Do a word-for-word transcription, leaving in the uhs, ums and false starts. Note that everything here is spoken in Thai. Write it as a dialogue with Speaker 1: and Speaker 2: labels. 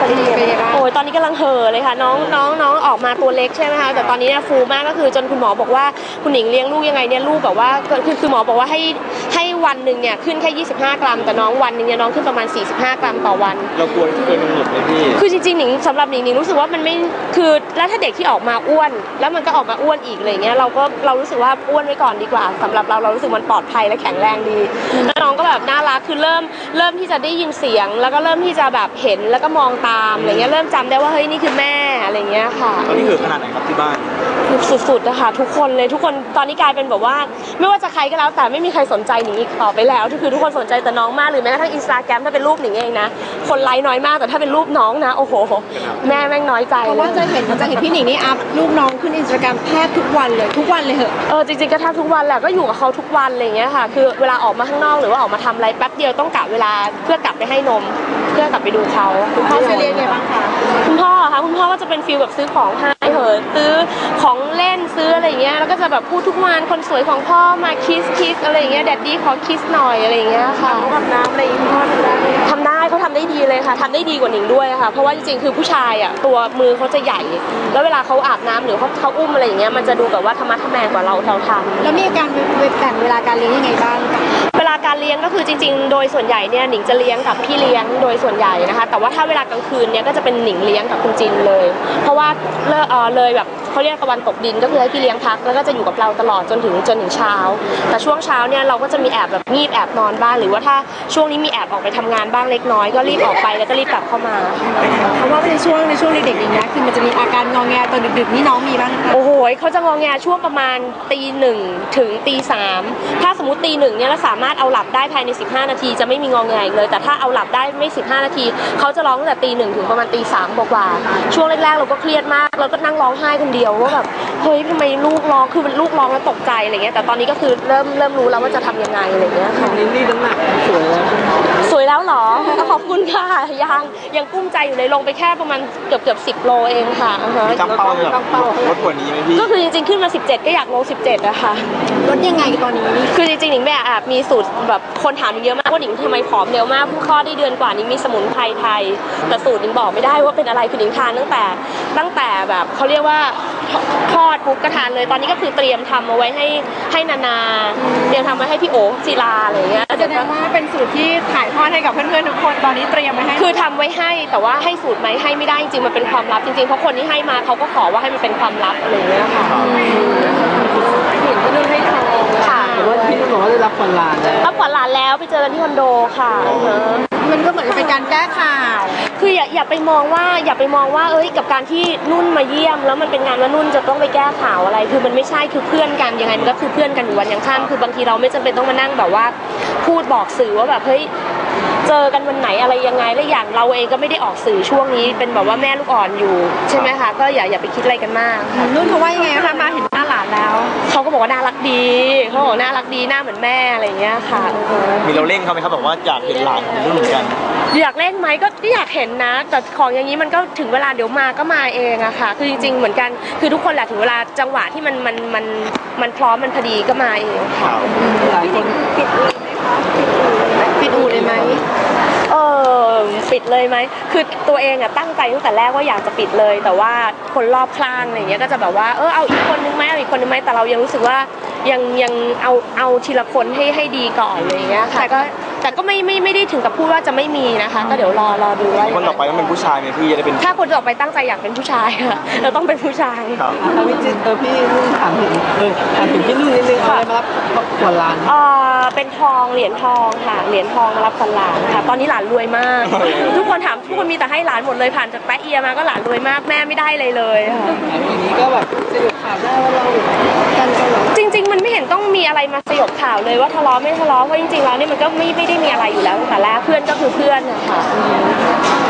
Speaker 1: โอ้ยตอนนี้กำลังเห่อเลยค่ะน้องน้องน้องออกมาตัวเล็กใช่ไหมคะแต่ตอนนี้เนี่ยฟูมากก็คือจนคุณหมอบอกว่าคุณหนิงเลี้ยงลูกยังไงเนี่ยลูกแบบว่าคือคือหมอบอกว่าให้ให้วันหนึ่งเนี่ยขึ้นแค่ยี่สิบห้ากรัมแต่น้องวันหนึ่งเนี่ยน้องขึ้นประมาณสี่สิบห้ากรัมต่อวัน
Speaker 2: เรากลัวเกินกำหนดเลยพี่
Speaker 1: คือจริงๆหนิงสำหรับหนิงหนิงรู้สึกว่ามันไม่คือแล้วถ้าเด็กที่ออกมาอ้วนแล้วมันก็ออกมาอ้วนอีกอะไรเงี้ยเราก็เรารู้สึกว่าอ้วนไว้ก่อนดีกว่าสำหรับเราเรารู้สึกมันปลอดภัยและแข็งแรงดีแล้วน้องก็แบบน่ารักคือเริ่มเริ่มที่จะได้ยินเสียงแล้วก็เริ่มที่จะแบบเห็นแล้วก็มองตามอะไรเงี้ยเริ่มจำได้ว่าเฮ้ยนี่คือแม่อะไรเงี้ยค่ะ
Speaker 2: ตอนนี้คือขนาดไหนครับที่บ้าน
Speaker 1: สุดๆนะคะทุกคนเลยทุกคนตอนนี้กลายเป็นแบบว่าไม่ว่าจะใครก็แล้วแต่ไม่มีใครสนใจหนิงอีกต่อไปแล้วคือทุกคนสนใจแต่น้องมากหรือแม้กระทั่งอินสตาแกรมถ้าเป็นรูปหนิงเองนะคนไลค์น้อยมากแต่ถ้าเป็นรูปน้องนะโอ้โหแม่แม่งน้อยใจ
Speaker 3: เพราะว่าจะเห็นจะเห็นพี่หนิงนี่อัพรูปน้องขึ้นอินสตาแกรมแทบทุกวันเลยทุกวันเลยเหรอ
Speaker 1: เออจริงๆก็แทบทุกวันแหละก็อยู่กับเขาทุกวันอะไรเงี้ยค่ะคือเวลาออกมาข้างนอกหรือว่าออกมาทำอะไรแป๊บเดียวต้องกะเวลาเพื่อกลับไปให้นมเพื่อกลับไปดูเขา
Speaker 3: คุณพ่อจะเรียนไงบ้างคะ
Speaker 1: คุณพ่อค่ะคุณพ่อก็จะเป็นฟีลแบบซื้อของให้เหอะซื้อของเล่นซื้ออะไรเงี้ยแล้วก็จะแบบพูดทุกวันคนสวยของพ่อมาคิสคิสอะไรเงี้ยแดดดี้ขอคิสหน่อยอะไรเงี้ยค่ะ
Speaker 3: เขาทำน้ำอะไรคุณพ่อทำได้
Speaker 1: ทำได้เขาทำได้ดีเลยค่ะทำได้ดีกว่าหนิงด้วยค่ะเพราะว่าจริงๆคือผู้ชายอ่ะตัวมือเขาจะใหญ่แล้วเวลาเขาอาบน้ำหรือเขาเขาอุ้มอะไรอย่างเงี้ยมันจะดูแบบว่าธรรมะธรรแมงกว่าเราเราทำ
Speaker 3: แล้วมีการแบ่งเวลาการเลี้ยงยังไงบ้าง
Speaker 1: เวลาการเลี้ยงก็คือจริงๆโดยส่วนใหญ่เนี่ยหนิงจะเลี้ยงกับพี่เลี้ยงโดยส่วนใหญ่นะคะแต่ว่าถ้าเวลากลางคืนเนี่ยก็จะเป็นหนิงเลี้ยงกับคุณจินเลยเพราะว่าเลเออเลยแบบเขาเรียกตะวันตกดินก็คือให้พี่เลี้ยงพักแล้วก็จะอยู่กับเราตลอดจนถึงจนถึงเช้าแต่ช่วงเช้าเนี่ยเราก็จะมีแอบแบบงีบแอบนอนบ้างหรือว่าถ้าช่วงนี้มีแอบออกไปทำงานบ้างเล็กน้อยก็รีบออกไปแล้วก็รีบกลับเข้ามา
Speaker 3: เพราะว่าในช่วงในช่วงเด็กๆอย่างเงี้ยคือมันจะมีอาการงอแงตอนดึกๆนี่น้องมีบ้าง
Speaker 1: โอ้โหเขาจะงอแงช่วงประมาณตีหนึ่งถึงตีสามถ้าสมมติตีหนึ่งเนี่ยเราสามารถเอาหลับได้ภายในสิบห้านาทีจะไม่มีงอแงเลยแต่ถ้าเอาหลับได้ไม่สิบห้านาทีเขาจะร้องตั้งแต่ตีหนึ่งถึงประมาณตีสามกว่าช่วงแรกๆเราก็เครียดมากเราก็นั่งร้องไห้คนเดียวว่าแบบเฮ้ยทำไมลูกร้องคือลูกร้องแล้วตกใจอะไรเงี้ยแต่ตอนนี้ก็คือเริ่มเริ่มรู้แล้วว่าจะทำยังไงอะไรเงี้ยค่ะ
Speaker 2: ลิลลี่น้ำหนักสวยแล้ว
Speaker 1: สวยแล้วหรอขอบคุณค่ะยังยังกุ้มใจอยู่เลยลงไปแค่ประมาณเกือบเกือบสิบโลเองค่ะ
Speaker 2: ตั้งเป้าแบบลดกว่านี้ไหมพี่
Speaker 1: ก็คือจริงๆขึ้นมาสิบเจ็ดก็อยากลงสิบเจ็ดอะค่ะ
Speaker 3: ลดยังไงตอนนี้
Speaker 1: คือจริงๆหนิงแม่แอบมีสูตรแบบคนถามเยอะมากว่าหนิงทำไมผอมเร็วมากเพิ่งคลอดได้เดือนกว่านี้มีสมุนไพรไทยแต่สูตรหนิงบอกไม่ได้ว่าเป็นอะไรคือหนิงทานตั้งแต่ตั้งแต่แบบเขาเรียกว่าคลอดปุ๊บก็ทานเลยตอนนี้ก็คือเตรียมทำเอาไว้ให้ให้นานาเตรียมทำไว้ให้พี่โอ๋ศิลาอะไรเงี้ย
Speaker 3: แสดงว่าเป็นสูตรที่ถ่ายทอดให้กับเพื่อนๆทุกคนตอนนี้เตรียมไว้ให้
Speaker 1: คือทำไว้ให้แต่ว่าให้สูตรไหมให้ไม่ได้จริงๆมันเป็นความลับจริงๆเพราะคนที่ให้มาเขาก็ขอว่าให้มันเป็นความลับอะไรเงี้ยค่ะ
Speaker 3: เห็นพี่นุ่นให้ทอง
Speaker 1: ค่ะ
Speaker 2: แต่ว่าพี่นุ่นบอกว่าได้รับขวัญหลานแล้ว
Speaker 1: รับขวัญหลานแล้วไปเจอกันที่คอนโดค่ะ
Speaker 3: มันก็เหมือนเป็นการแก้ข่าว
Speaker 1: คืออย่าอย่าไปมองว่าอย่าไปมองว่าเอ้ยกับการที่นุ่นมาเยี่ยมแล้วมันเป็นงานว่านุ่นจะต้องไปแก้ข่าวอะไรคือมันไม่ใช่คือเพื่อนกันยังไงมันก็คือเพื่อนกันอยู่วันยังค่ำคือบางทีเราไม่จำเป็นต้องมานั่งแบบว่าพูดบอกสื่อว่าแบบเฮ้ยเจอกันวันไหนอะไรยังไงและอย่างเราเองก็ไม่ได้ออกสื่อช่วงนี้เป็นแบบว่าแม่ลูกอ่อนอยู่ใช่ไหมคะก็อย่าอย่าไปคิดอะไรกันมาก
Speaker 3: นุ่นเขาว่ายังไงคะมาเห็นหน้าหลานแล้ว
Speaker 1: เขาก็บอกว่าน่ารักดีเขาบอกน่ารักดีหน้าเหมือนแม่อะไรเงี้ยค่ะ
Speaker 2: มีเราเร่งเขาไหมครับแบบว่าอยากเห็นหลานนุ่นเหมือนกัน
Speaker 1: อยากเล่นไหมก็อยากเห็นนะแต่ของอย่างนี้มันก็ถึงเวลาเดี๋ยวมาก็มาเองอะค่ะคือจริงๆเหมือนกันคือทุกคนแหละถึงเวลาจังหวะที่มันมันมันมันพร้อมมันพอดีก็มาเองค่ะ
Speaker 2: หลายคน
Speaker 3: ปิดเลยไหมคะปิดอู่เลยไหม
Speaker 1: เออปิดเลยไหมคือตัวเองอะตั้งใจตั้งแต่แรกว่าอยากจะปิดเลยแต่ว่าคนรอบข้างอะไรเงี้ยก็จะแบบว่าเออเอาอีกคนนึงไหมเอาอีกคนนึงไหมแต่เรายังรู้สึกว่ายังยังเอาเอาทีละคนให้ให้ดีก่อนอะไรเงี้ยค่ะก็แต่ก็ไม่ไม่ไม่ได้ถึงกับพูดว่าจะไม่มีนะคะก็เดี๋ยวรอรอดูว่า
Speaker 2: คนต่อไปต้องเป็นผู้ชายไหมพี่จะได้เป็น
Speaker 1: ถ้าคนต่อไปตั้งใจอยากเป็นผู้ชายค่ะเราต้องเป็นผู้ชาย
Speaker 2: ครับ
Speaker 4: พี่จินเออพี่นุ่นถามถึงเออถามถึงพี่นุ่นนิดนึงอะไรมารับขวัญหลาน
Speaker 1: เออเป็นทองเหรียญทองค่ะเหรียญทองมารับขวัญหลานค่ะตอนนี้หลานรวยมากทุกคนถามทุกคนมีแต่ให้หลานหมดเลยผ่านจากแป๊ะเอียมาก็หลานรวยมากแม่ไม่ได้เลยเลยค่ะ
Speaker 4: อย่างนี้ก็แบบสยบข่าวได้ว่าเรากันกันหรอ
Speaker 1: จริงๆมันไม่เห็นต้องมีอะไรมาสยบข่าวเลยว่าทะเลาะไม่ทะเลาะเพราะจริงๆแล้วนี่มันก็ไม่ไม่ได้มีอะไรอยู่แล้วตั้งแต่แรกเพื่อนก็คือเพื่อนนะคะ